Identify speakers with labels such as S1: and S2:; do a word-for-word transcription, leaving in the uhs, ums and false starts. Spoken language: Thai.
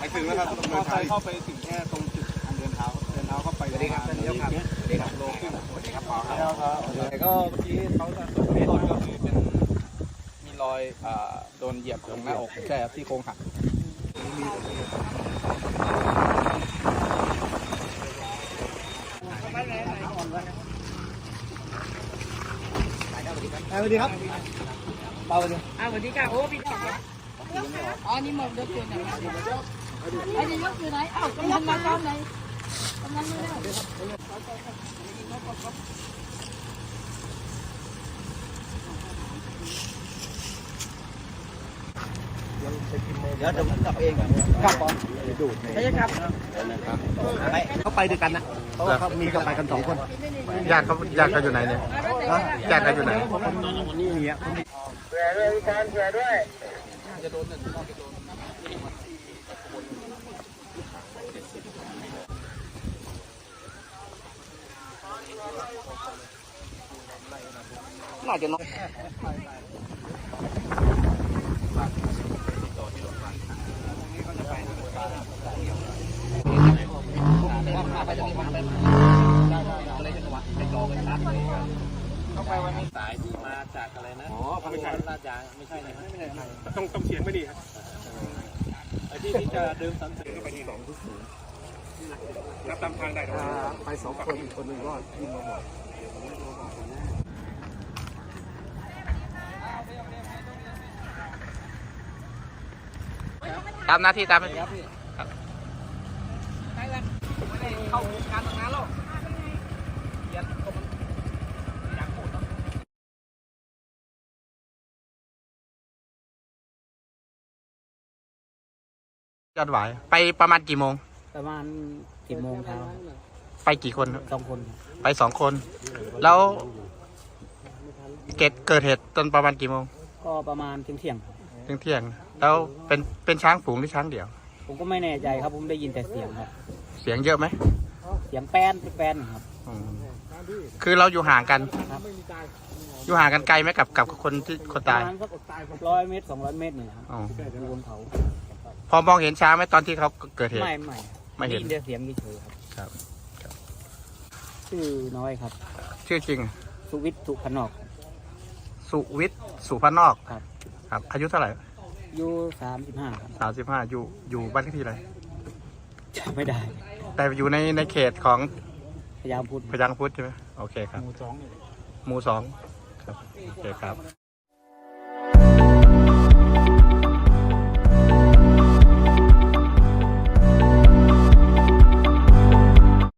S1: ไปถึงแล้วครับต้องเดินเท้าเข้าไปถึงแค่ตรงจุดทางเดินเท้าเดินเท้าเข้าไปเลยครับเลี้ยวครับเลี้ยวครับโลขึ้นสวัสดีครับปอครับแต่ก็เมื่อกี้เขาจะส่งให้ตอนก็คือเป็นมีรอยโดนเหยียบตรงหน้าอกใช่ครับที่โครงหักสวัสดีครับเปาเลยอ่าสวัสดีค่ะโอ้พี่จ๋าอ๋อนี่หมดยกอยู่ไหนไอ้นี่ยกอยู่ไหนเอ้ากำลังมาตอนไหนกำลังไม่ได้เดี๋ยวจะกลับเองกลับก่อนดูดใช่ครับไปเขาไปด้วยกันนะเขาเขามีเขาไปกันสองคนญาติเขาญาติเขาอยู่ไหนเนี่ยญาติเขาอยู่ไหนนี่เนี่ยเผื่อด้วยการเผื่อด้วยจะโดนจะโดนน่าจะน้องเข้าไปวันนี้สายที่มาจากอะไรนะอ๋อไม่ใช่ลาดยางไม่ใช่เลยไม่ใช่ต้องต้องเสียงไม่ดีครับไอ้ที่ที่จะเดิมสันเสริญก็ไปที่สองทุกศูนย์รับตามทางได้ไปสองคนอีกคนหนึ่งรอดที่มาบอก
S2: ตามหน้าที่ตามหน้าที่
S1: ครับเข้าการทำงานแล้ว
S2: ยอดหวายไปประมาณกี่โมง
S3: ประมาณสิบโมงเช้า
S2: ไปกี่คน
S3: สองคน
S2: ไปสองคนแล้วเกิดเกิดเหตุตอนประมาณกี่โมง
S3: ก็ประมาณเที่ยงเที่ยง
S2: เที่ยงเที่ยงแล้วเป็นเป็นช้างฝูงหรือช้างเดี่ยว
S3: ผมก็ไม่แน่ใจครับผมได้ยินแต่เสียงครับ
S2: เสียงเยอะไหม
S3: เสียงแป้นแป้นครับ
S2: คือเราอยู่ห่างกัน
S3: ครับ
S2: อยู่ห่างกันไกลไหมกับกับคนที่คนตาย
S3: ประมาณสักร้อยเมตรสองร้อยเมตรนี่ครับอยู่บนเขา
S2: พอมองเห็นช้างไหมตอนที่เขาเกิดเหตุ
S3: ไม่ไม่
S2: ไม่เห็น
S3: ได้เสียงเฉยครับ
S2: ครับ
S3: ชื่อน้อยครับ
S2: ชื่อจริง
S3: สุวิทย์สุพนอก
S2: สุวิทย์สุพนอก
S3: ครับ
S2: ครับอายุเท่าไหร่
S3: อายุสามสิบห้า
S2: สามสิบห้าอยู่อยู่บ้านเลขที่อะไร
S3: จำไม่ได้
S2: แต่อยู่ในในเขตของ
S3: พยางพุทธ
S2: พยางพุทธใช่ไหมโอเคครับหมู่สองหมู่สองครับโอเคครับ